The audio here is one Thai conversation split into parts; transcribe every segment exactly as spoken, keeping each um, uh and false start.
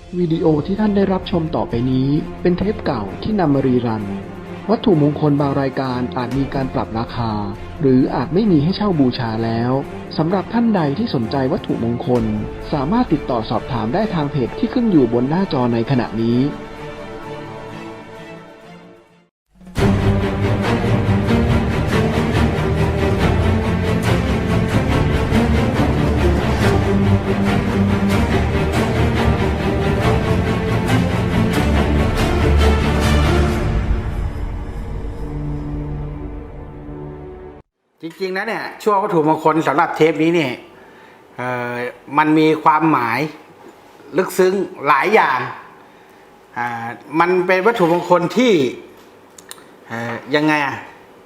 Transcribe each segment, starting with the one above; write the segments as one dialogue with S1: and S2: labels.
S1: วิดีโอที่ท่านได้รับชมต่อไปนี้เป็นเทปเก่าที่นำมารีรัน วัตถุมงคลบางรายการอาจมีการปรับราคา หรืออาจไม่มีให้เช่าบูชาแล้วสำหรับท่านใดที่สนใจวัตถุมงคลสามารถติดต่อสอบถามได้ทางเพจที่ขึ้นอยู่บนหน้าจอในขณะนี้
S2: จริงๆนะเนี่ยช่วงวัตถุมงคลสำหรับเทปนี้เนี่ยเอ่อมันมีความหมายลึกซึ้งหลายอย่างอ่ามันเป็นวัตถุมงคลที่เอ่อยังไงอ่ะ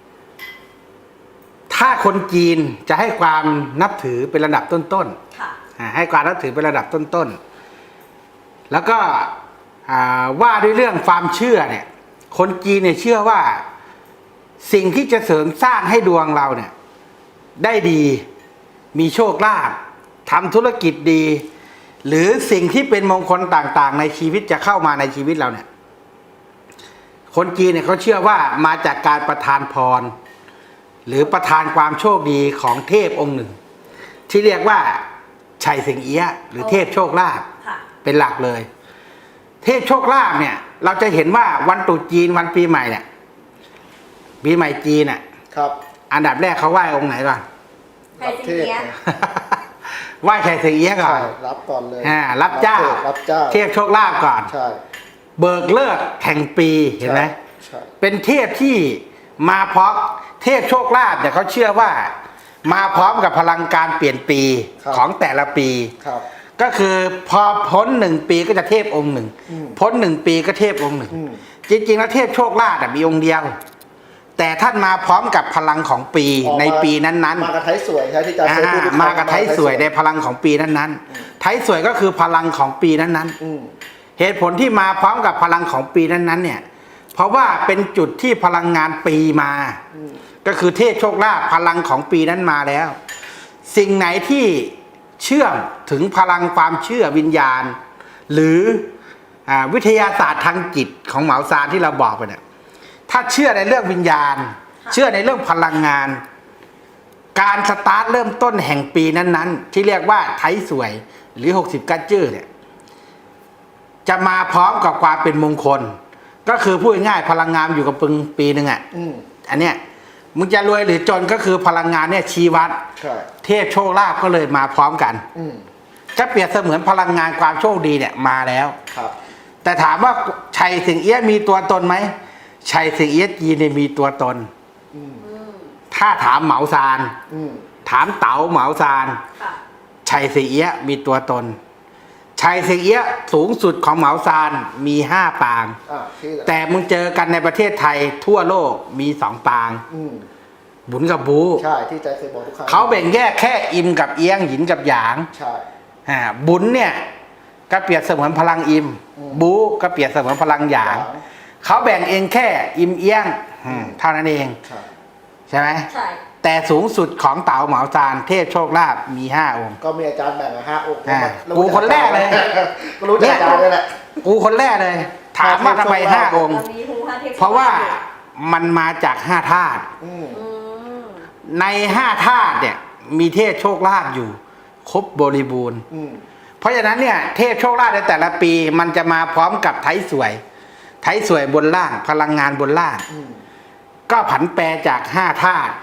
S2: ถ้าคนจีนจะให้ความนับถือเป็นระดับต้นๆให้ความนับถือเป็นระดับต้นๆแล้วก็ว่าด้วยเรื่องความเชื่อเนี่ยคนจีนเนี่ยเชื่อว่าสิ่งที่จะเสริมสร้างให้ดวงเราเนี่ยได้ดีมีโชคลาภทำธุรกิจดีหรือสิ่งที่เป็นมงคลต่างๆในชีวิตจะเข้ามาในชีวิตเราเนี่ยคนจีนเนี่ยเขาเชื่อว่ามาจากการประทานพรหรือประทานความโชคดีของเทพองค์หนึ่งที่เรียกว่าชัยสิงเอี้ยะหรือเทพโชคลาภเป็นหลักเลยเทพโชคลาภเนี่ยเราจะเห็นว่าวันตรุษจีนวันปีใหม่เนี่ยปีใหม่จีนอ่ะครับอันดับแรกเขาไหว้องค์ไหนก่อน
S3: ชัยสิงเอี้ยะ
S2: ไหว้ชัยสิงเอี้ยะก่อน
S4: รับก่อนเลย
S2: อ่ารับเจ้า
S4: รับเจ้า
S2: เทพโชคลาภก่อนใช่เบิกเลิกแห่งปีเห็นไหมใช่เป็นเทพที่มาพร้อมเทพโชคลาภเนี่ยเขาเชื่อว่ามาพร้อมกับพลังการเปลี่ยนปีของแต่ละปีครับก็คือพอพ้นหนึ่งปีก็จะเทพองค์หนึ่งพ้นหนึ่งปีก็เทพองค์หนึ่งจริงๆแล้วเทพโชคลาภมีองค์เดียวแต่ท่านมาพร้อมกับพลังของปีในปีนั้นๆ
S4: มากระไทสวยใช่ที่จะ
S2: มากระไทสวยในพลังของปีนั้นๆไทสวยก็คือพลังของปีนั้นๆเหตุผลที่มาพร้อมกับพลังของปีนั้นๆเนี่ยเพราะว่าเป็นจุดที่พลังงานปีมาก็คือเทพโชคลาภพลังของปีนั้นมาแล้วสิ่งไหนที่เชื่อมถึงพลังความเชื่อวิญญาณหรือวิทยาศาสตร์ทางจิตของเหมาซานที่เราบอกไปเนี่ยถ้าเชื่อในเรื่องวิญญาณเชื่อในเรื่องพลังงานการสตาร์ทเริ่มต้นแห่งปีนั้นๆที่เรียกว่าไทสวยหรือหกสิบกัจจื้อเนี่ยจะมาพร้อมกับความเป็นมงคลก็คือพูดง่ายพลังงานอยู่กับปึงปีหนึ่งอ่ะอันเนี้ยมึงจะรวยหรือจนก็คือพลังงานเนี่ยชี้วัดเทพโชคลาภก็เลยมาพร้อมกันก็เปรียบเสมือนพลังงานความโชคดีเนี่ยมาแล้วแต่ถามว่าชัยสิงเอี้ยะมีตัวตนไหมชัยสิงเอี้ยะจีนมีตัวตนถ้าถามเหมาซานถามเต๋าเหมาซานชัยสิงเอี้ยะมีตัวตนชัยสิงเอี้ยะสูงสุดของเหมาซานมีห้าปางแต่มึงเจอกันในประเทศไทยทั่วโลกมีสองปางบุญกับบู
S4: ใช่ที่ใจเคยบอกทุกครั้ง
S2: เขาแบ่งแยกแค่อิมกับเอี้ยงหยินกับหยางใช่บุญเนี่ยก็เปรียบเสมือนพลังอิมบูก็เปรียบเสมือนพลังหยางเขาแบ่งเองแค่อิมเอี้ยงเท่านั้นเองใช่ไหมใช่แต่สูงสุดของเต๋าเหมาซานเทพโชคลาภมีห้าองค์
S4: ก็มีอาจารย์แบ่งมาห้าองค์
S2: กูคนแรกเลย
S4: ก็รู้จักอาจารย์เลยแหละ
S2: กูคนแรกเลยถามว่าทำไมห้าองค์เพราะว่ามันมาจากห้าธาตุในห้าธาตุเนี่ยมีเทพโชคลาภอยู่ครบบริบูรณ์เพราะฉะนั้นเนี่ยเทพโชคลาภในแต่ละปีมันจะมาพร้อมกับไทสวยไทสวยบนล่างพลังงานบนล่างก็ผันแปรจากห้าธาตุ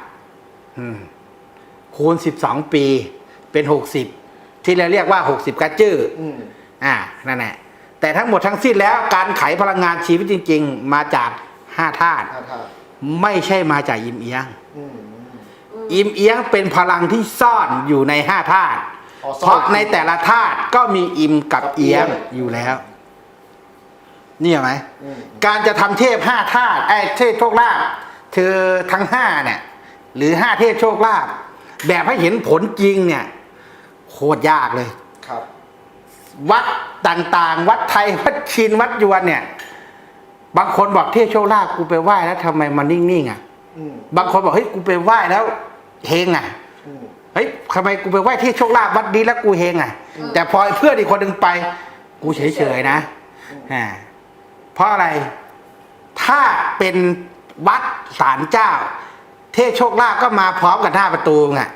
S2: คูณสิบสองปีเป็นหกสิบที่เราเรียกว่าหกสิบกัจจื้ออ่านั่นแหละแต่ทั้งหมดทั้งสิ้นแล้วการไขพลังงานชีวิตจริงๆมาจากห้าธาตุไม่ใช่มาจากอิมเอี้ยงอิมเอี้ยงเป็นพลังที่ซ่อนอยู่ในห้าธาตุเพราะในแต่ละธาตุก็มีอิมกับเอี้ยงอยู่แล้วนี่ไหมการจะทำเทพห้าธาตุไอ้เทพโชคลาภเธอทั้งห้าเนี่ยหรือห้าเทพโชคลาภแบบให้เห็นผลจริงเนี่ยโคตรยากเลยครับวัดต่างๆวัดไทยวัดจีนวัดยวนเนี่ยบางคนบอกเทพโชคลาภกูไปไหว้แล้วทำไมมันนิ่งๆอ่ะบางคนบอกเฮ้ยกูไปไหว้แล้วเฮงอ่ะเฮ้ยทำไมกูไปไหว้เทพโชคลาภวัดดีแล้วกูเฮงอ่ะแต่พอเพื่อนอีกคนหนึ่งไปกูเฉยๆนะอ่าเพราะอะไร ถ้าเป็นวัดศาลเจ้า เทพโชคลาภก็มาพร้อมกับหน้าประตูไง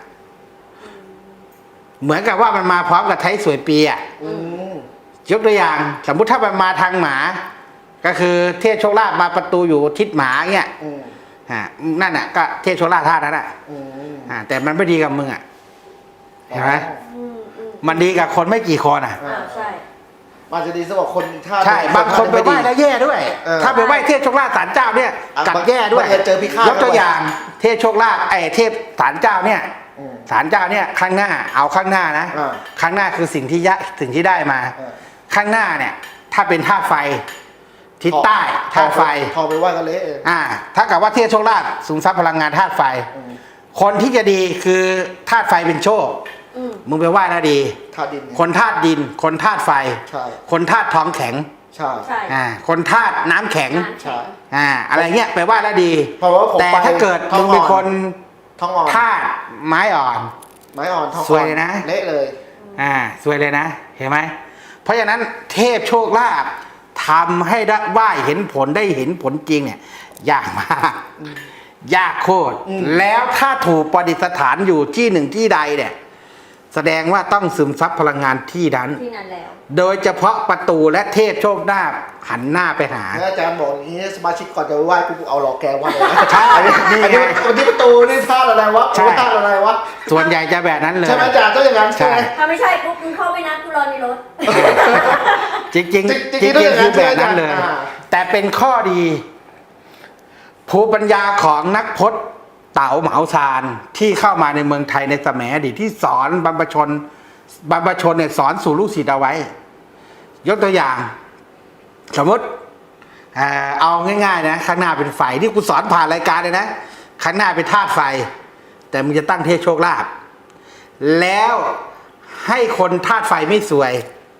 S2: เหมือนกับว่ามันมาพร้อมกับไทยสวยปีอ่ะ
S4: อืม
S2: ยกตัวอย่าง สมมุติถ้ามันมาทางหมา ก็คือเทพโชคลาภมาประตูอยู่ทิศหมาเงี้ย
S4: อืม
S2: อ่านั่นน่ะก็เทพโชคลาภท่านั้นอ่ะ
S4: อืม
S2: อ่าแต่มันไม่ดีกับมึงอ่ะเห็นไหม
S3: อืมอืม
S2: มันดีกับคนไม่กี่คนอ่ะ
S3: อ่าใช่
S4: มันจะดีสำหรับคนถ้า
S2: ใช่บางคนไปไหว้แล้วแย่ด้วย
S4: เออ
S2: ถ้าไปไหว้เทพโชคลาภศาลเจ้าเนี่ย
S4: อ่ะ
S2: กลับแย่ด้วย
S4: บางทีเจอพิฆาต
S2: ยกตัวอย่าง เทพโชคลาภไอ้เทพศาลเจ้าเนี่ย
S4: อืม
S2: ศาลเจ้าเนี่ยข้างหน้าเอาข้างหน้านะ
S4: อ่า
S2: ข้างหน้าคือสิ่งที่ยะสิ่งที่ได้มา
S4: อ่า
S2: ข้างหน้าเนี่ยถ้าเป็นธาตุไฟทิศใต้ธาตุไฟ
S4: ทองไปไหว้กันเละเอง
S2: อ่าถ้ากับว่าเทพโชคลาภสูงทรัพย์พลังงานธาตุไฟ
S4: อืม
S2: คนที่จะดีคือธาตุไฟเป็นโชค
S3: อืม
S2: มึงไปไหว้แล้วดี
S4: ธาตุดินไง
S2: คนธาตุดิน คนธาตุไฟ
S4: ใช่
S2: คนธาตุทองแข็ง
S4: ใช่
S3: ใช่
S2: อ่าคนธาตุน้ำแข็ง
S3: น้ำแข็ง
S2: อ่าอะไรเงี้ยไปไหว้แล้วดี
S4: เพราะว่าผม
S2: แต่
S4: ไป
S2: ถ้าเกิด
S4: ทอง
S2: มึงเป็นคน
S4: ทองอ่อน
S2: ธาตุไม้อ่อน
S4: ไม้อ่อนทองอ่อน
S2: สวยเลยนะ
S4: เละเลย
S2: อ่าสวยเลยนะ เห็นไหมเพราะฉะนั้นเทพโชคลาภทำให้ได้ไหว้เห็นผลได้เห็นผลจริงเนี่ยยากมากยากโคตร
S4: อืม
S2: แล้วถ้าถูกประดิษฐานอยู่ที่หนึ่งที่ใดเนี่ยแสดงว่าต้องซึมซับพลังงานที่นั้น
S3: ที่นั่นแล้ว
S2: โดยเฉพาะประตูและเทพโชคลาภหันหน้าไปหา
S4: แล้วอาจารย์บอกอย่างนี้สมาชิกก่อนจะไหว้กูเอาหลอกแกไหว้เลยนะ
S2: ใช่
S4: อันนี้
S2: นี่
S4: อัน
S2: ไง
S4: นี้อันนี้ประตูนี่ท่าอะไรวะ
S2: ใช่
S4: ท่าอะไรวะ
S2: ส่วนใหญ่จะแบบนั้นเลย
S4: ใช่ไหมอาจารย์ต้องอย่างนั้นใช่ไหม
S2: ใช่
S3: ถ้าไม่ใช่ปุ๊บมึงเข้าไปนะกูรอในรถ
S2: จริงจริง
S4: จริงๆ
S2: จริง
S4: ต้อง
S2: จ
S4: อ
S2: ริ
S4: ย่าง งนั้น
S2: คือแบบนั้นเลย
S4: อ่า
S2: แต่เป็นข้อดี ภูมิปัญญาของนักพจน์เต๋าเหมาซานที่เข้ามาในเมืองไทยในสมัยอดีตที่สอนบรรพชนบรรพชนเนี่ยสอนสู่ลูกศิษย์เอาไว้ ยกตัวอย่าง สมมติเอ่อเอาง่ายๆนะข้างหน้าเป็นไฟที่กูสอนผ่านรายการเลยนะข้างหน้าเป็นธาตุไฟ แต่มึงจะตั้งเทพโชคลาภแล้วให้คนธาตุไฟไม่สวย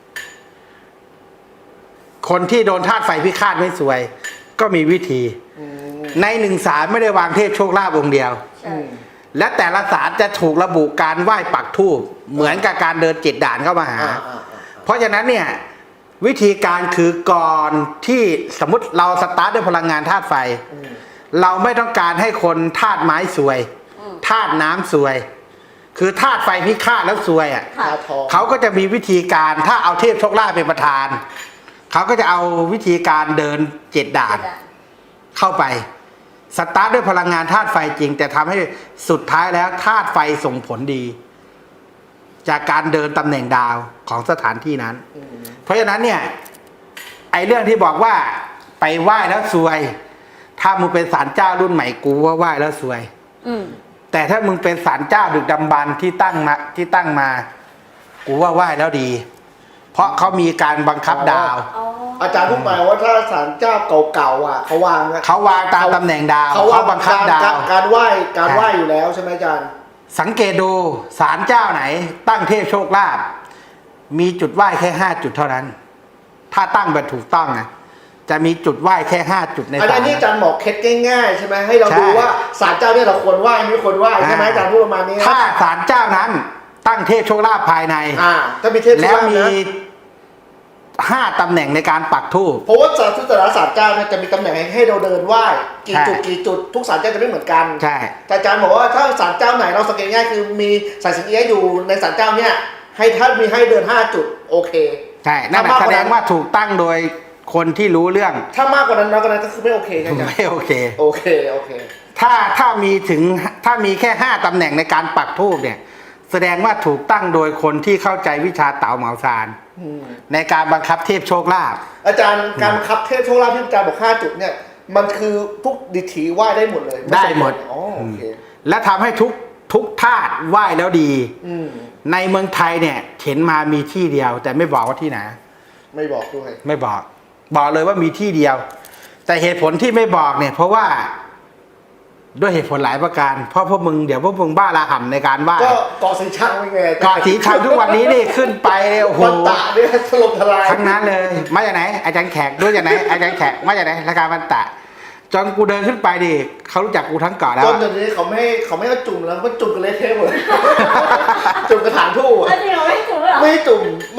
S2: คนที่โดนธาตุไฟพิฆาตไม่สวย ก็มีวิธี
S4: อืม
S2: ในหนึ่งสารไม่ได้วางเทพโชคลาภองค์เดียว
S3: ใช่
S2: และแต่ละสารจะถูกระบุการไหว้ปักธูปเหมือนกับการเดินเจ็ดด่านเข้ามาหา
S4: อ่าอ่า
S2: เพราะฉะนั้นเนี่ยวิธีการคือก่อนที่สมมติเราสตาร์ทด้วยพลังงานธาตุไฟ
S4: อืม
S2: เราไม่ต้องการให้คนธาตุไม้สวย
S3: อืม
S2: ธาตุน้ำสวย คือธาตุไฟพิฆาตแล้วสวยอ่ะ
S3: ค่ะ
S4: ตาทอง
S2: เขาก็จะมีวิธีการถ้าเอาเทพโชคลาภเป็นประธาน เขาก็จะเอาวิธีการเดินเจ็ดด่าน เข้าไปสตาร์ทด้วยพลังงานธาตุไฟจริง แต่ทำให้สุดท้ายแล้วธาตุไฟส่งผลดี จากการเดินตำแหน่งดาวของสถานที่นั้น
S4: อืม
S2: เพราะฉะนั้นเนี่ยไอ้เรื่องที่บอกว่าไปไหว้แล้วซวย ถ้ามึงเป็นศาลเจ้ารุ่นใหม่กูว่าไหว้แล้วซวย
S3: อืม
S2: แต่ถ้ามึงเป็นศาลเจ้าดึกดำบรรพ์ที่ตั้งมาที่ตั้งมา กูว่าไหว้แล้วดี เพราะเขามีการบังคับดาว
S3: อ๋อ
S4: อาจารย์พูดหมายว่าถ้าศาลเจ้าเก่าๆอ่ะเขาวางอะ
S2: เขาวางตามตำแหน่งดาว
S4: เขาวาง
S2: บังคับดาว
S4: การการไหว้การไหว้อยู่แล้วใช่ไหมอาจารย์
S2: สังเกตดูศาลเจ้าไหน ตั้งเทพโชคลาภมีจุดไหว้แค่ห้าจุดเท่านั้น ถ้าตั้งแบบถูกต้องนะจะมีจุดไหว้แค่ห้าจุดใน
S4: อัน
S2: ศาล
S4: นี้อาจารย์บอกเคล็ดง่ายๆใช่ไหมให้เรา
S2: ใช่
S4: ดูว่าศาลเจ้าเนี่ยเราควรไหว้ไม่ควรไหว้ใช่ไหมอาจารย์พูดประมาณนี้นะ
S2: ถ้าศาลเจ้านั้นตั้งเทพโชคลาภภายใน
S4: อ่าถ้ามีเทพ
S2: แล้ว
S4: เจ้า
S2: มี
S4: นะ
S2: ห้าตำแหน่งในการปักธูป
S4: เพราะว่าศาลทุกแต่ละศาลเจ้าเนี่ยจะมีตำแหน่งให้เราเดินไหว้กี่
S2: ใช่
S4: จุดกี่จุดทุกศาลเจ้าจะไม่เหมือนกัน
S2: ใช่
S4: แต่อาจารย์บอกว่าถ้าศาลเจ้าไหนเราสังเกตง่ายคือมีสายสิญจน์เอี้ยะอยู่ในศาลเจ้าเนี่ยให้ถ้ามีให้เดินห้าจุดโอเค
S2: ใช่นั่นแหละ
S4: ถ้ามากก
S2: แส
S4: ว่านั้น
S2: ดงว่าถูกตั้งโดยคนที่รู้เรื่อง
S4: ถ้ามากกว่านั้นน้อยกว่านั้นก็คือไม่โอเคใช่ไหมอาจารย์
S2: ไม่โอเค
S4: โอเคโอเค
S2: ถ้าถ้ามีถึงถ้ามีแค่ห้าตำแหน่งในการปักธูปเนี่ย แสดงว่าถูกตั้งโดยคนที่เข้าใจวิชาเต๋าเหมาซาน
S4: อืม
S2: ในการบังคับเทพโชคลาภ
S4: อาจารย์การบังคับเทพโชคลาภที่อาจารย์บอกห้าจุดเนี่ยมันคือทุกดิถีไหว้ได้หมดเลย
S2: ได้หมด
S4: อ๋อโอเค
S2: และทำให้ทุกทุกธาตุไหว้แล้วดี
S4: อืม
S2: ในเมืองไทยเนี่ยเห็นมามีที่เดียว แต่ไม่บอกว่าที่ไหน
S4: ไม่บอกด้วย
S2: ไม่บอก บอกเลยว่ามีที่เดียว แต่เหตุผลที่ไม่บอกเนี่ย เพราะว่า ด้วยเหตุผลหลายประการ เพราะพวกมึงเดี๋ยวพวกมึงบ้าระห่ำในการไหว้
S4: ก็เกาะสีชังไม่ไง
S2: เกาะสีชังทุกวันนี้นี่ขึ้นไปเนี่ยโอ้โห
S4: วันตะเนี่ยถล่มทลาย
S2: ทั้งนั้นเลย มาจากไหน อาจารย์แขกด้วยจากไหน อาจารย์แขกมาจากไหนรายการวันตะ จนกูเดินขึ้นไปดิเขารู้จักกูทั้งเกาะแล้ว
S4: จน
S2: อะ
S4: ตอนนี้เขาไม่ให้เขาไม่ให้จุ่มแล้วเขาจุ่มกันเละเทะหมดเลย จุ่มกระถางทู่อะ
S3: แล้วจริงเหรอไม่ถูกเหรอ
S4: ไม่ให้จุ่มเมื่อ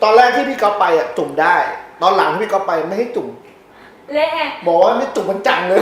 S4: ตอนแรกที่พี่ก๊อฟไปอ่ะจุ่มได้ ตอนหลังที่พี่ก๊อฟไปไม่ให้จุ่ม
S3: เละไง
S4: บอกว่าไม่จุ่มมันจังเลย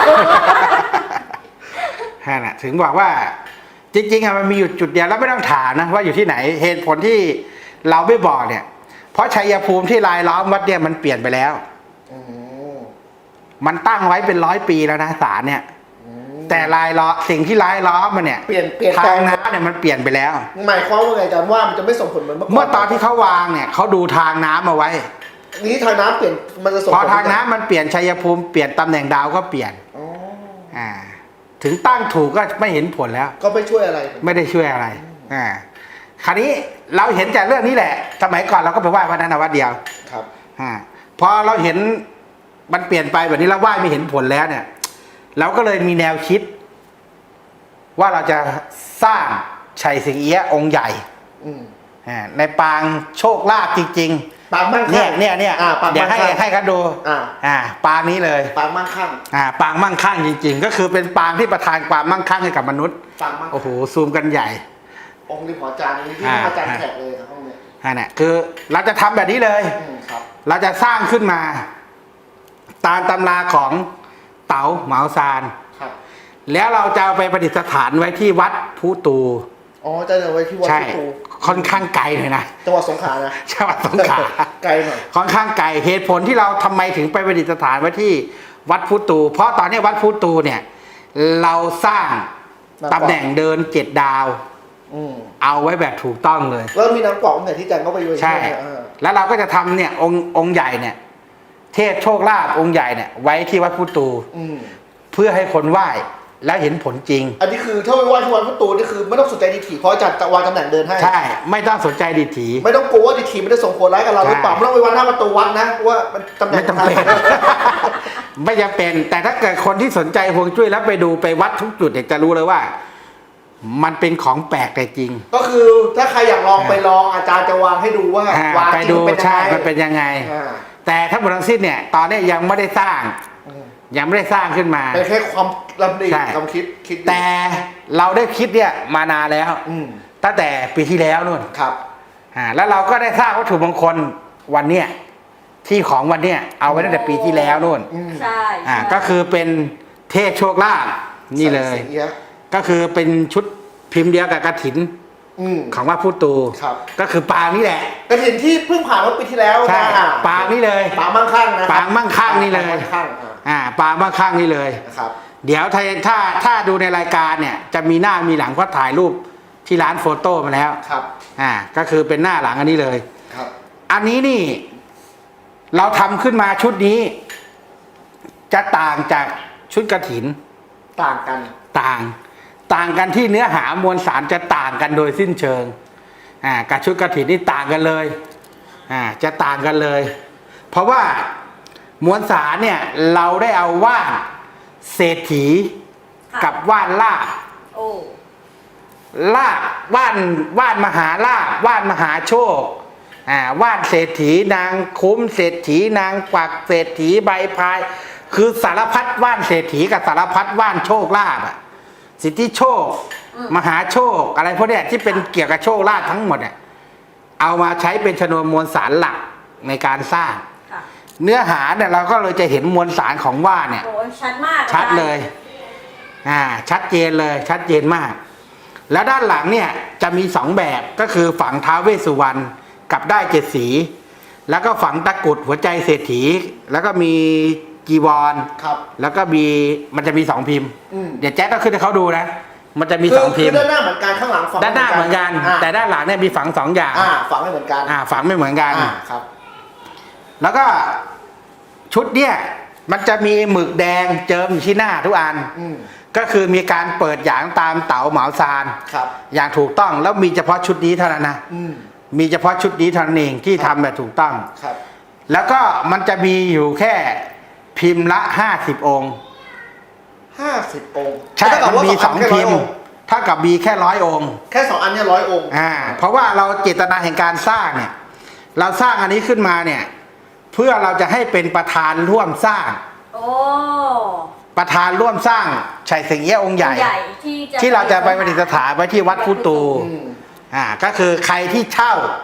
S2: ฮะนะถึงบอกว่าจริงๆอะมันมีอยู่จุดเดียวแล้วไม่ต้องถามนะว่าอยู่ที่ไหนเหตุผลที่เราไม่บอกเนี่ย เพราะชัยภูมิที่รายล้อมวัดเนี่ยมันเปลี่ยนไปแล้ว
S4: อืม
S2: มันตั้งไว้เป็นร้อยปีแล้วนะศาลเนี่ย
S4: อืม
S2: แต่รายล้อสิ่งที่รายล้อมมันเนี่ย
S4: เปลี่ยนเปลี่ยน
S2: ทา
S4: แปล
S2: ง
S4: ง
S2: น้ำเนี่ยมันเปลี่ยนไปแล้ว
S4: หมายความว่าไงอาจารย์ว่ามันจะไม่ส่งผลเหมือนเมื่อก่อน
S2: เมื่อตอนที่เขาวางเนี่ยเขาดูทางน้ำมาไว้
S4: นี้ทางน้ำเปลี่ยนมันจะส่ง
S2: พอ
S4: ผล
S2: ทางน้ำมันเปลี่ยนชัยภูมิเปลี่ยนตำแหน่งดาวก็เปลี่ยน
S4: อ๋อ
S2: อ่าถึงตั้งถูกก็ไม่เห็นผลแล้ว
S4: ก็ไม่ช่วยอะไร
S2: ไม่ได้ช่วยอะไร อ่า คราวนี้เราเห็นจากเรื่องนี้แหละ สมัยก่อนเราก็ไปไหว้วัดนั้นนะวัดเดียว
S4: ครับ
S2: อ่า พอเราเห็นมันเปลี่ยนไปแบบนี้เราไหว้ไม่เห็นผลแล้วเนี่ย เราก็เลยมีแนวคิด ว่าเราจะสร้างชัยสิงเอี้ยะองค์ใหญ่
S4: อืม
S2: อ่า ในปางโชคลาภจริง
S4: ปางมั่ง
S2: ๆ เนี่
S4: คั่
S2: ย
S4: ง
S2: เนี่ยเนี่ย
S4: อ่าปาง
S2: เดี๋ยว
S4: มั่ง
S2: ให้
S4: คั่ง
S2: ให้เขาดู
S4: อ่า
S2: อ่า ปางนี้เลย
S4: ปางมั่งคั่ง
S2: อ่า ปางมั่งคั่งจริง ๆ ก็คือเป็นปางที่ประทานความมั่งคั่งให้กับมนุษย์
S4: ปางมั่งคั่ง
S2: โอ้โห ซูมกันใหญ่
S4: องค์นี้ของอาจารย์นี่ที่
S2: อ่า
S4: อาจารย์แขกเลยครับห้องเนี้ย
S2: อันนี้คือเราจะทำแบบนี้เลย
S4: อืมครับ
S2: เราจะสร้างขึ้นมา ตามตำราของเต๋าเหมาซาน
S4: ครับ
S2: แล้วเราจะเอาไปประดิษฐานไว้ที่วัดภูตู
S4: อ๋อจะเอาไว้ที่วัด
S2: ใช่
S4: พุตู
S2: ค่อนข้างไกลเลยนะ
S4: จังหวัดสงขลานะ
S2: จังหวัดสงขลา
S4: ไกลหน่อย
S2: ค่อนข้างไกลเหตุผลที่เราทำไมถึงไปประดิษฐานไว้ที่วัดภูตู เพราะตอนนี้วัดภูตูเนี่ย เราสร้างตำแหน่งเดินเจ็ดดาว
S4: อืม
S2: เอาไว้แบบถูกต้องเลย
S4: แล้วมีน้ำกรอกเนี่ยที่อาจารย์ก็ไปอยู่
S2: ใช่
S4: ไหมอ่า
S2: แล้วเราก็จะทำเนี่ยองค์องค์ใหญ่เนี่ย เทพโชคลาภองค์ใหญ่เนี่ยไว้ที่วัดพุตู
S4: อืม
S2: เพื่อให้คนไหว้แล้วเห็นผลจริง
S4: อันนี้คือถ้าไปไหว้ที่วัดพุตูนี่คือไม่ต้องสนใจดีถีเพราะอาจารย์จะวางตำแหน่งเดินให้
S2: ใช่ ไม่ต้องสนใจดีถี
S4: ไม่ต้องกลัวว่าดีถีมันจะส่งผลร้ายกับเราหรือเปล่า
S2: ใช่
S4: ไม่ต้องไปวัดหน้าประตูวัดนะว่ามันตำแหน่
S2: ไม่
S4: ง
S2: จำเป็น ไม่จำเป็น แต่ถ้าเกิดคนที่สนใจฮวงจุ้ยแล้วไปดูไปวัดทุกจุดเนี่ยจะรู้เลยว่า มันเป็นของแปลกแต่จริง
S4: ก็คือถ้าใครอยากลองไปลองอาจารย์จะวางให้ดูว่า
S2: อ่าว
S4: าง
S2: ไป
S4: จริง
S2: ดู
S4: เป็นยัง
S2: ใช่
S4: ไง
S2: มันเป็นยังไง
S4: อ่า
S2: แต่ทั้งหมดทั้งสิ้นเนี่ย ตอนนี้ยังไม่ได้สร้าง
S4: อืม
S2: ยังไม่ได้สร้างขึ้นมา
S4: เป็นแค่ความลำดี
S2: ใช่
S4: ความคิดคิดอยู่
S2: แต่เราได้คิดเนี่ยมานานแล้ว
S4: อืม
S2: ตั้งแต่ปีที่แล้วนู่น
S4: ครับ
S2: อ่าแล้วเราก็ได้สร้างวัตถุมงคลวันเนี้ยที่ของวันเนี้ยเอาไว้ตั้งแต่ปีที่แล้วนู่น
S4: อืม
S3: ใช่
S2: อ่า
S3: ใช่
S2: ก็คือเป็นเทพโชคลาภนี่เลย
S4: ใส่สีเอี้ยะ
S2: ก็คือเป็นชุดพิมพ์เดียวกับกฐิน
S4: อืม
S2: ของวัดพุตู
S4: ครับ
S2: ก็คือปางนี่แหละ
S4: กระถินที่เพิ่งผ่านเมื่อปีที่แล้ว
S2: ใช่
S4: นะอ่
S2: ปางนี่เลย
S4: ปางมั่งคั่งนะ
S2: ปางมั่งคั่งนี่เลย
S4: ปางมั่งคั่งอ่า
S2: อ่าปางบ้างข้างนี่เลย
S4: นะครับ
S2: เดี๋ยวถ้าถ้าถ้าดูในรายการเนี่ยจะมีหน้ามีหลังก็ถ่ายรูปที่ร้านโฟโต้มาแล้ว
S4: ครับ
S2: อ่าก็คือเป็นหน้าหลังอันนี้เลย
S4: ครับ
S2: อันนี้นี่ เราทำขึ้นมาชุดนี้ จะต่างจากชุดกฐิน
S4: ต่างกัน
S2: ต่าง ต่างกันที่เนื้อหามวลสารจะต่างกันโดยสิ้นเชิง อ่ากับชุดกฐินนี่ต่างกันเลย อ่า จะต่างกันเลย เพราะว่ามวลสารเนี่ย เราได้เอาว่านเศรษฐี
S3: ค่ะ
S2: กับว่านลาบ
S3: โอ้
S2: ลาบว่านว่านมหาลาบว่านมหาโชค อ่าว่านเศรษฐีนางคุ้มเศรษฐีนางกวักเศรษฐีใบพาย คือสารพัดว่านเศรษฐีกับสารพัดว่านโชคลาภอะสิทธิโชค มหาโชค อะไรพวกเนี้ยที่เป็นเกี่ยวกับโชคลาภทั้งหมดเนี่ยเอามาใช้เป็นชนวนมวลสารหลักในการสร้าง
S3: ค่ะ
S2: เนื้อหาเนี่ยเราก็เลยจะเห็นมวลสารของว่านเนี่ย
S3: โอ้ชัดมาก
S2: ชัดเลย อ่า ชัดเจนเลย ชัดเจนมาก แล้วด้านหลังเนี่ยจะมีสองแบบก็คือฝังท้าวเวสสุวรรณกับได้เจ็ดสี แล้วก็ฝังตะกรุดหัวใจเศรษฐี แล้วก็มีจีวร
S4: ครับ
S2: แล้วก็มีมันจะมีสองพิมพ์
S4: อืม
S2: เดี๋ยวแจ๊คก็ขึ้นให้เขาดูนะ มันจะมี
S4: คื
S2: สองพิ
S4: คื
S2: มพ์
S4: ด้านหน้าเหมือนกันข้างหลังฝัง
S2: ด้านหน้าเหมือนกัน
S4: า
S2: แต่ด้านหลังเนี่ยมีฝังสองอย่าง
S4: อ่าฝังไม่เหมือนกัน
S2: อ่า ฝังไม่เหมือนกัน
S4: อ่าครับ
S2: แล้วก็ชุดเนี่ยมันจะมีหมึกแดงเจิมอยู่ที่หน้าทุกอัน
S4: อืม
S2: ก็คือมีการเปิดหยางตามเต๋าเหมาซาน
S4: ครับ
S2: อย่างถูกต้องแล้วมีเฉพาะชุดนี้เท่านั้นนะ
S4: อืม
S2: มีเฉพาะชุดนี้เท่านั้นเองที่ทำแบบถูกต้อง
S4: ครับ
S2: แล้วก็มันจะมีอยู่แค่พิมพ์ละห้าสิบองค์
S4: ห้าสิบองค์
S2: ใช่
S4: เท่ากับ
S2: มัน
S4: ว่า
S2: มีสอง
S4: แค่ร้
S2: พิ
S4: ย
S2: มพ์
S4: ค์
S2: เท่ากับมีแค่ร้อยองค์
S4: แค่สองอันเนี่ยร้อยองค์
S2: อ่าเพราะว่าเราเจตนาแห่งการสร้างเนี่ย เราสร้างอันนี้ขึ้นมาเนี่ย เพื่อเราจะให้เป็นประธานร่วมสร้าง
S3: โอ้
S2: ประธานร่วมสร้างชัยสิงเอี้ยะองค์ใหญ่
S3: ใหญ่ที่จะ
S2: ที่เราจะไปประดิษฐานไว้ที่วัดพุตู
S4: อืม
S2: อ่าก็คือใครที่เช่า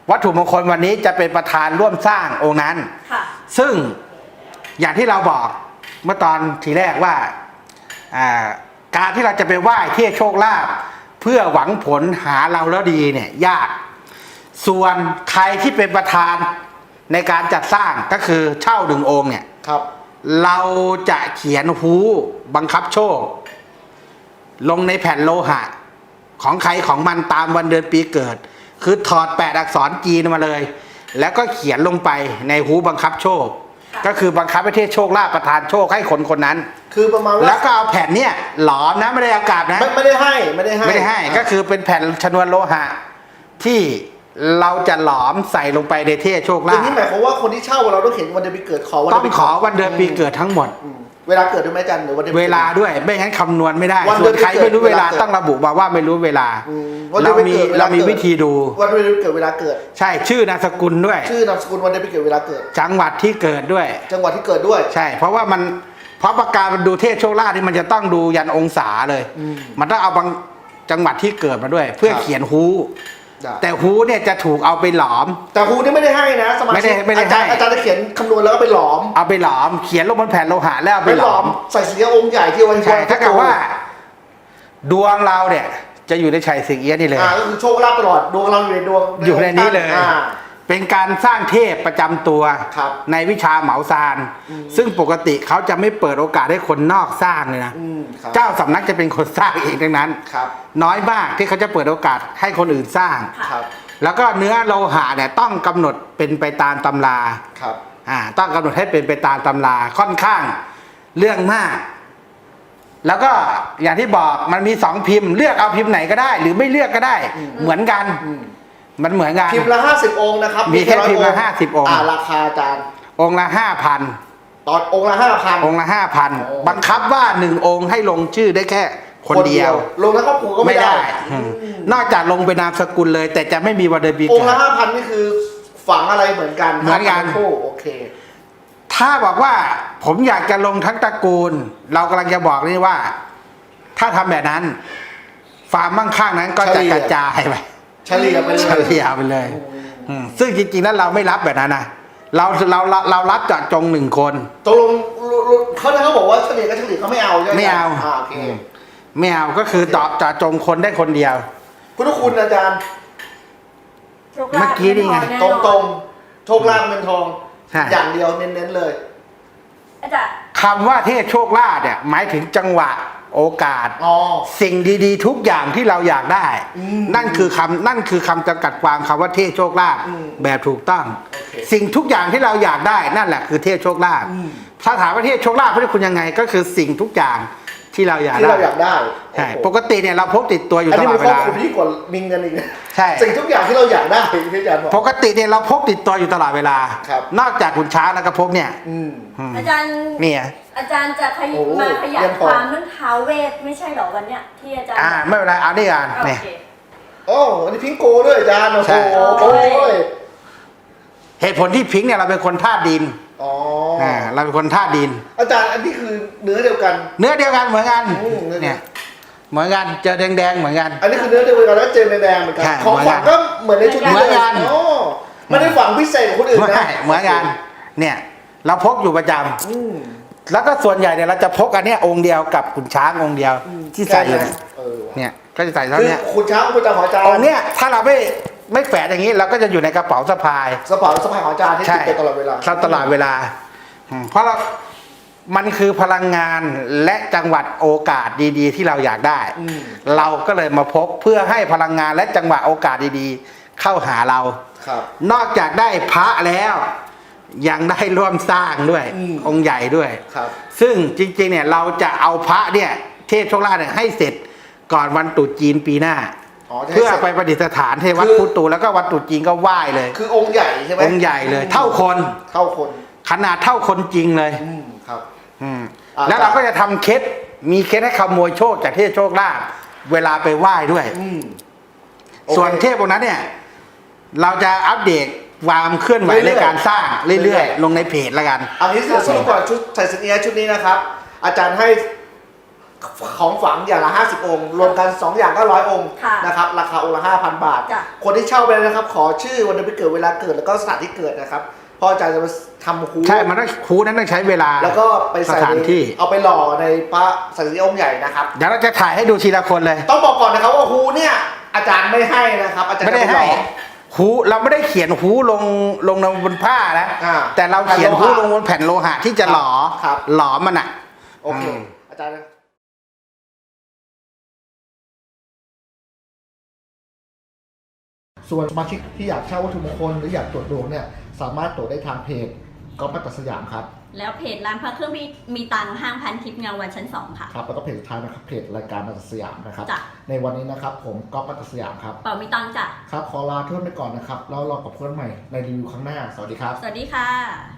S2: วัตถุมงคลวันนี้จะเป็นประธานร่วมสร้างองค์นั้น
S3: ค่ะ
S2: ซึ่งอย่างที่เราบอกเมื่อตอนทีแรกว่าอ่าการที่เราจะไปไหว้เที่โชคลาภเพื่อหวังผลหาเราแล้วดีเนี่ยยากส่วนใครที่เป็นประธานในการจัดสร้างก็คือเช่าหนึ่งองค์เนี่ย
S4: ครับ
S2: เราจะเขียนฮู้บังคับโชค ลงในแผ่นโลหะของใครของมันตามวันเดือนปีเกิด คือถอดแปดอักษรจีนมาเลย แล้วก็เขียนลงไปในฮู้บังคับโชค ก็คือบังคับให้เทศโชคลาภประทานโชคให้คนคนนั้น
S4: คือประมาณว่า
S2: แล้วก็เอาแผ่นเนี่ยหลอมนะไม่ได้อากาศนะ
S4: ไม่ไม่ได้ให้ไม่ได้ให้
S2: ไม่ได้ให้ก็คือเป็นแผ่นชนวนโลหะที่เราจะหลอมใส่ลงไปในเทศโชค
S4: อ
S2: ลา
S4: ย่าง
S2: ภ
S4: นี้หมายความว่าคนที่เช่าเราต้องเขียนวันเดือนปีเกิดขอวัน
S2: ต้อง
S4: เดืนปี
S2: ขอวันเดือนปีเกิดทั้งหมด
S4: อืมเวลาเกิดด้วยไหมอาจารย์หรือวันเดือนปี
S2: เว
S4: กิด
S2: ลาด้วยไม่งั้นคำนวณไม่ได้
S4: วันเดื
S2: ส่ว
S4: อน
S2: นใครไม่รู้เวลา
S4: เวลาเกิด
S2: ต้องระบุมาว่าไม่รู้เวลา
S4: อืมวันเดือ
S2: เรา
S4: นปี
S2: มี
S4: เกิดวล
S2: เรามี
S4: กิด
S2: วิธีดู
S4: วันเดือนปีเกิดเวลาเกิด
S2: ใช่ชื่อนามสกุลด้วย
S4: ชื่อนามสกุลวันเดือนปีเกิดเวลาเกิด
S2: จังหวัดที่เกิดด้วย
S4: จังหวัดที่เกิดด้วย
S2: ใช่ เพราะว่ามันเพราะประกาศมันดูเทศโชคลาภที่มันจะต้องดูยันองศาเลย
S4: อืม
S2: มันต้องเอาบางจังหวัดที่เกิดมาด้วย เพื่อ
S4: ครับ
S2: เขียนฮู้
S4: ได้
S2: แต่ฮู้เนี่ยจะถูกเอาไปหลอม
S4: แต่ครูนี่ไม่ได้ให้นะสมา
S2: ไม่ได้
S4: ชิก
S2: ไม่ได้
S4: อาจารย์
S2: ให้
S4: อาจารย์จะเขียนคำนวณแล้วก็ไปหลอม
S2: เอาไปหลอม เขียนลงบนแผ่นโลหะแล้วเอา
S4: ไป
S2: ไป
S4: ห
S2: ห
S4: ล
S2: ล
S4: อ
S2: อ
S4: ม
S2: ม
S4: ใส่เสียองค์ใหญ่ที่ไว้
S2: ใช่ถ้าเกิดว่า ดวงเราเนี่ยจะอยู่ในชัยสิงเอี้ยะนี่เลย
S4: อ่าก็คือโชคลาภตลอดดวงเราอยู่ในดวง
S2: อยู่ในนี้เลย
S4: อ่า
S2: เป็นการสร้างเทพประจำตัว
S4: ครับ
S2: ในวิชาเหมาซาน
S4: อืม
S2: ซึ่งปกติเขาจะไม่เปิดโอกาสให้คนนอกสร้างเลยนะ
S4: อืมครับ
S2: เจ้าสำนักจะเป็นคนสร้างเองดังนั้น
S4: ครับ
S2: น้อยมากที่เขาจะเปิดโอกาสให้คนอื่นสร้าง
S4: ครับ
S2: แล้วก็เนื้อโลหะเนี่ยต้องกำหนดเป็นไปตามตำรา
S4: ครับ
S2: อ่าต้องกำหนดให้เป็นไปตามตำราค่อนข้างเรื่องมาก แล้วก็อย่างที่บอกมันมีสองพิมพ์เลือกเอาพิมพ์ไหนก็ได้ หรือไม่เลือกก็ได้
S4: อืม
S2: เหมือนกัน
S4: อืม
S2: มันเหมือนกัน
S4: พิมพ์ละห้าสิบองค์นะครับ
S2: มีแค่
S4: ร้อย
S2: พิมพ์ละ
S4: องค์
S2: ห้าสิบองค์
S4: อ่าราคาอาจารย์
S2: องค์ละห้าพัน
S4: ตอนองค์ละห้าพัน
S2: องค์ละห้าพัน
S4: โอ้
S2: บังคับว่าหนึ่งองค์ให้ลงชื่อได้แค่คนเดียว
S4: ลงทั้งครอบครัวก็ไม่
S2: ไม่
S4: ได้
S2: ได้อืมนอกจากลงเป็นนามสกุลเลย แต่จะไม่มีวันเดือนปี
S4: อง
S2: เกิ
S4: ค์ละ
S2: ด
S4: ห้าพันนี่คือฝังอะไรเหมือนกัน
S2: เหมือนกัน
S4: ห้าพัคู่โอเค
S2: ถ้าบอกว่าผมอยากจะลงทั้งตระกูล เรากำลังจะบอกนี่ว่า ถ้าทำแบบนั้นฟาร์มมั่งคั่งนั้นก็จะ
S4: เฉลี่ย
S2: กระจายไป
S4: เฉลี่ยไปเลย
S2: เฉลี่ยไปเลยอืมซึ่งจริงๆแล้วเราไม่รับแบบนั้นนะเราเราเราเรารับเจาะจงหนึ่งคน
S4: ตกลงเขาเขาบอกว่าเฉลี่ยก็เฉลี่ยเขาไม่เอาใช่ไหม
S2: ไม่เอา
S4: อ่าโอเค
S2: ไม่เอาก็คือเจาะเจาะจงคนได้คนเดียว
S4: พุทธคุณอาจารย์
S3: โชคลาภ
S2: เมื่อกี้นี่ไง
S3: แน่
S4: ต
S3: น
S4: ร
S3: อง น
S4: ตรงๆโชคลาภเงินทอง
S2: ใช่
S4: อย่างเดียวเน้นๆเลย
S3: อาจารย์
S2: คำว่าเทพโชคลาภเนี่ยหมายถึงจังหวะโอกาส
S4: อ๋อ
S2: สิ่งดีๆ ทุกอย่างที่เราอยากได้
S4: อืม
S2: นั่นคือคำนั่นคือคำจำกัดความคำว่าเทพโชคลาภ
S4: อืม
S2: แบบถูกต้อง
S4: โอเค
S2: สิ่งทุกอย่างที่เราอยากได้นั่นแหละคือเทพโชคลาภ
S4: อืม
S2: ถ้าถามว่าเทพโชคลาภพุทธคุณยังไง ก็คือสิ่งทุกอย่างที่เราอยาก
S4: ที่
S2: ได้
S4: เราอยากได้
S2: ใช่
S4: โอ้โห
S2: ปกติเนี่ยเราพกติดตัวอยู่
S4: อัน
S2: ต
S4: นี้
S2: ลอ
S4: มั
S2: ด
S4: น
S2: เว
S4: ครอบ
S2: ลา
S4: คลุมที่กว่ามิงกันอีกนะ
S2: ใช่
S4: สิ่งทุกอย่างที่เราอยากได้ที่อาจารย์บอก
S2: ปกติเนี่ยเราพกติดตัวอยู่ตลอดเวลา
S4: ครับ
S2: นอกจากขุนช้างแล้วก็พกเนี่ย
S4: อืม
S2: อืม
S3: อาจารย์
S2: เนี่ย
S3: อาจารย์จะขย
S4: โอ้โห
S3: มาขยา
S4: เยี่
S3: ย
S4: ยม
S3: ค
S4: พอ
S3: วามเรื่องท้าวเวทไม่ใช่เหรอวันเนี้ยที่อาจารย์
S2: อ่าไม่เป็นไรเอานี่กัน
S3: โอ
S2: เนี่ย
S3: เค
S4: โอ้อันนี้พิงโกด้วยอาจารย์โอ้
S2: ใช่
S4: โหโอ้ย
S2: เหตุผลที่พิงค์เนี่ยเราเป็นคนธาตุดิน
S4: อ๋อ
S2: อ่าเราเป็นคนธาตุดิน
S4: อาจารย์อันนี้คือเนื้อเดียวกัน
S2: เนื้อเดียวกันเหมือนกัน
S4: อืมเนื้อเดียว
S2: เนี่ยเหมือนกันเจอแดงๆเหมือนกัน
S4: อันนี้คือเนื้อเดียวกันแล้วเจอในแดงเหมือนกัน
S2: ใช่
S4: ของฝังก็เหมือนในชุดนี้
S2: เหมือนกัน
S4: โอ้ไม่ได้ฝังพิเศษกว่าคนอื่น
S2: ไม่
S4: นะ
S2: เหมือนกันเนี่ยเราพกอยู่ประจำ
S4: อืม
S2: แล้วก็ส่วนใหญ่เนี่ยเราจะพกอันเนี้ยองค์เดียวกับขุนช้างองค์เดียวที่ใส่อยู่เนี่ย
S4: เออว่ะ
S2: เนี่ยก็จะใส่เท่า
S4: คือ
S2: เนี้ย
S4: คุณช้างคุณตาของอาจารย์
S2: องค์เนี้ยถ้าเราไม่ไม่แฝดอย่างนี้เราก็จะอยู่ในกระเป๋าสะพาย
S4: สปอร์ตสปายของอาจารย์ที่ติดตัวตลอดเวลา
S2: เราตลอดเวลาอืมเพราะเรา มันคือพลังงานและจังหวัดโอกาสดีๆ ที่เราอยากได้
S4: อืม
S2: เราก็เลยมาพบเพื่อให้พลังงานและจังหวะโอกาสดีๆ เข้าหาเรา
S4: ครับ
S2: นอกจากได้พระแล้ว ยังได้ร่วมสร้างด้วย
S4: อืม
S2: องค์ใหญ่ด้วย
S4: ครับ
S2: ซึ่งจริงๆเนี่ยเราจะเอาพระเนี่ยเทพโชคลาภเนี่ยให้เสร็จก่อนวันตรุษจีนปีหน้า
S4: อ๋อจะให้
S2: เพื่อ
S4: เสร็จ
S2: ไปประดิษฐานที่วัด
S4: คือ
S2: พุตูแล้วก็วัดตรุษจีนก็ไหว้เลย
S4: คือองค์ใหญ่ใช่ไหม
S2: องค์ใหญ่เลย เท่าคน
S4: เท่าคน
S2: ขนาดเท่าคนจริงเลย
S4: อืมครับ
S2: อืม
S4: อ่า
S2: แล้วเราก็จะทำเคล็ดมีเคล็ดให้ขโมยโชคจากเทพโชคลาภเวลาไปไหว้ด้วย
S4: อืม
S2: ส่วน
S4: โอเค
S2: เทพองค์นั้นเนี่ย เราจะอัปเดตความเคลื่อนไหว
S4: เรื่
S2: ใน
S4: อยๆ
S2: การสร้างเรื่อย
S4: เรื่อย
S2: ๆ ลงในเพจแล้วกัน
S4: อันนี้เดี๋ยวสรุปก่อนชุดใส่สินเอียะชุดนี้นะครับ อาจารย์ให้ของฝังอย่างละห้าสิบองค์รวมกันสองอย่างก็ร้อยองค์
S3: ค่ะ
S4: นะครับราคาองค์ละห้าพันบาท
S3: จ้ะ
S4: คนที่เช่าไปนะครับขอชื่อวันเดือนปีเกิดเวลาเกิดแล้วก็สถานที่เกิดนะครับพ่ออาจารย์จะมาทำฮู
S2: ใช่ มันต้องคูนั้นต้องใช้เวลา
S4: แล้วก็ไปใส่
S2: สถานที่
S4: เอาไปหล่อในพระสังฆองค์ใหญ่นะครับ
S2: เดี๋ยวเราจะถ่ายให้ดูทีละคนเลย
S4: ต้องบอกก่อนนะครับว่าฮูเนี่ยอาจารย์ไม่ให้นะครับ อาจารย์
S2: ไม่ได้
S4: จะป
S2: ให้
S4: หล่อ
S2: หูเราไม่ได้เขียนหูลงลงบนผ้านะ
S4: อ่า
S2: แต่เราเขียนหูลงบนแผ่นโลหะที่จะหลอ
S4: ครับ
S2: หลอมันอ่ะ
S4: โอเค
S2: อืม
S4: อาจารย์ส่วนสมาชิกที่อยากเช่าวัตถุมงคลหรืออยากตรวจดวงเนี่ยสามารถตรวจได้ทางเพจก๊อฟมัตตสยามครับ
S3: แล้วเพจร้านพระเครื่องมีมีตังค์ห้างพันทิพย์เงาวันชั้นสองค่ะ
S4: ครับแล้วก็เพจสุดท้ายนะครับเพจรายการมัตตสยามนะครับ
S3: จ้ะ
S4: ในวันนี้นะครับผมก๊อฟมัตตสยามครับ
S3: เป่ามีตังค์จ้ะ
S4: ครับขอลาเพื่อนไปก่อนนะครับแล้วรอกับเพื่อนใหม่ในรีวิวครั้งหน้าสวัสดีครับ
S3: สวัสดีค่ะ